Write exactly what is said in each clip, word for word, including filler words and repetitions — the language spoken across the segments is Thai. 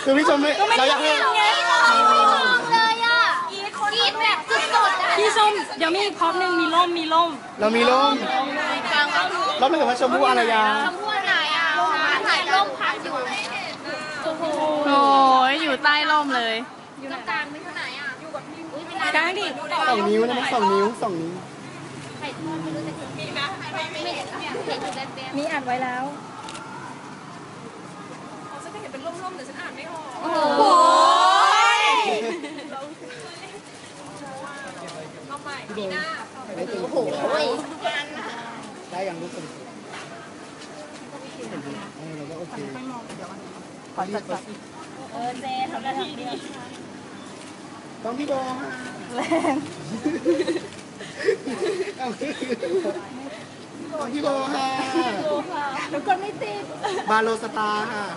คือพี่ชมไม่เราอยากให้เลยอ่ะกินแบบสุดๆอ่ะพี่ส้มเดี๋ยวมีพร็อพหนึ่งมีร่มมีร่มเรามีร่มเราไม่เห็นว่าชมพู่อารยาชมพู่ไหนอ่ะถ่ายร่มพักอยู่โอ้ยอยู่ใต้ร่มเลยอยู่ตรงกลางไม่เท่าไหนอ่ะอยู่กับพี่อุ้ยเวลากลางดิสองนิ้วนะสองนิ้วสองนิ้วถ่ายทอดไม่รู้จะมีไหมไม่เห็นเห็นอยู่แบบแบบมีอัดไว้แล้วโอ้โหโอ้โหได้อย่างรู้สึกเราก็โอเคขอจัดจัดเออเจทำได้ทีเดียวต้องพี่โบฮะแรงต้องพี่โบฮะทุกกดไม่ติดบาโลสตาร์ค่ะ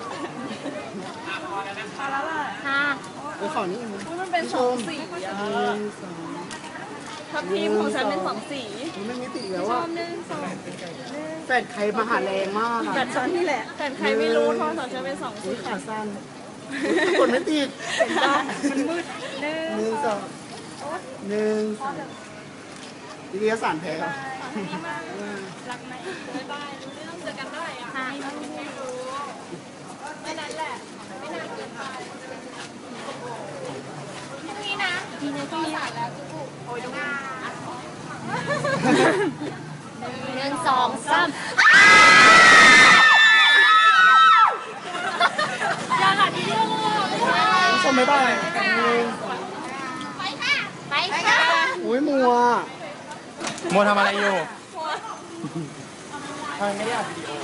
มาแล้วล่ะค่ะเดี๋ยวขอนี่มันเป็นสองสีอ่ะหนึ่งสองทับทีมของฉันเป็นสองสีไม่มีติดแล้วว่าหนึ่งสองแฟนใครมาหาแรงมากแบตฉันนี่แหละแต่ใครไม่รู้โทรศัพท์ฉันเป็นสองสีขาสั้นกดไม่ติดมันมืดหนึ่งหนึ่งสองหนึ่งสองวิทยาศาสตร์แพ้ครับรักไหมบ๊ายบายรู้เรื่องเจอกันได้อ่ะค่ะไม่นั้นแหละไม่นานเกินไปพรุ่งนี้นะมีในข้อสารแล้วกูโอ้ยงาหนึ่งสองสามอย่าหันเรื่องผู้ชมไม่ได้ไปค่ะ ไปค่ะอุ้ยมัวโมทำอะไรอยู่ทำไมไม่ได้อัดวิดีโอ